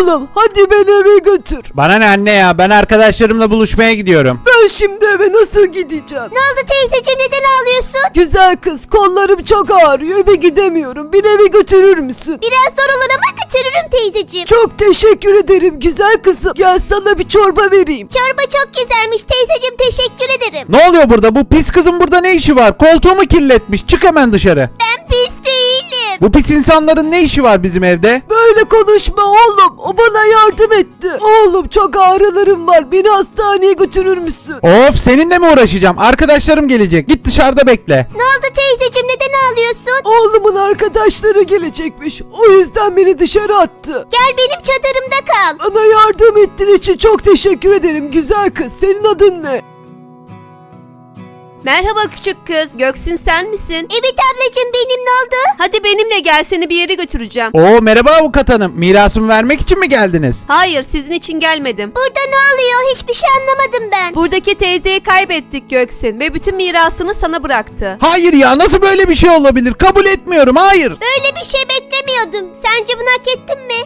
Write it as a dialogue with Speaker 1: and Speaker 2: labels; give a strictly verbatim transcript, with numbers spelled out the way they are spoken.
Speaker 1: Oğlum hadi beni eve götür.
Speaker 2: Bana ne anne ya, ben arkadaşlarımla buluşmaya gidiyorum.
Speaker 1: Ben şimdi eve nasıl gideceğim?
Speaker 3: Ne oldu teyzeciğim, neden ağlıyorsun?
Speaker 1: Güzel kız, kollarım çok ağrıyor, eve gidemiyorum. Beni eve götürür müsün?
Speaker 3: Biraz zor olur ama götürürüm teyzeciğim.
Speaker 1: Çok teşekkür ederim güzel kızım. Gel sana bir çorba vereyim.
Speaker 3: Çorba çok güzelmiş teyzeciğim, teşekkür ederim.
Speaker 2: Ne oluyor burada? Bu pis kızın burada ne işi var? Koltuğumu kirletmiş. Çık hemen dışarı.
Speaker 3: Ben pis değilim.
Speaker 2: Bu pis insanların ne işi var bizim evde?
Speaker 1: Böyle konuşma oğlum. O bana yardım etti. Oğlum çok ağrılarım var. Beni hastaneye götürür müsün?
Speaker 2: Of, seninle mi uğraşacağım? Arkadaşlarım gelecek. Git dışarıda bekle.
Speaker 3: Ne oldu teyzeciğim, neden ağlıyorsun?
Speaker 1: Oğlumun arkadaşları gelecekmiş. O yüzden beni dışarı attı.
Speaker 3: Gel benim çadırımda kal.
Speaker 1: Bana yardım ettiğin için çok teşekkür ederim güzel kız. Senin adın ne?
Speaker 4: Merhaba küçük kız, Göksin sen misin?
Speaker 3: Evet ablacığım, benim, ne oldu?
Speaker 4: Hadi benimle gel, seni bir yere götüreceğim.
Speaker 2: Oo, merhaba avukat hanım. Mirasımı vermek için mi geldiniz?
Speaker 4: Hayır, sizin için gelmedim.
Speaker 3: Burada ne oluyor? Hiçbir şey anlamadım ben.
Speaker 4: Buradaki teyzeyi kaybettik Göksin ve bütün mirasını sana bıraktı.
Speaker 2: Hayır ya, nasıl böyle bir şey olabilir? Kabul etmiyorum, hayır.
Speaker 3: Böyle bir şey beklemiyordum. Sence bunu hak ettim mi?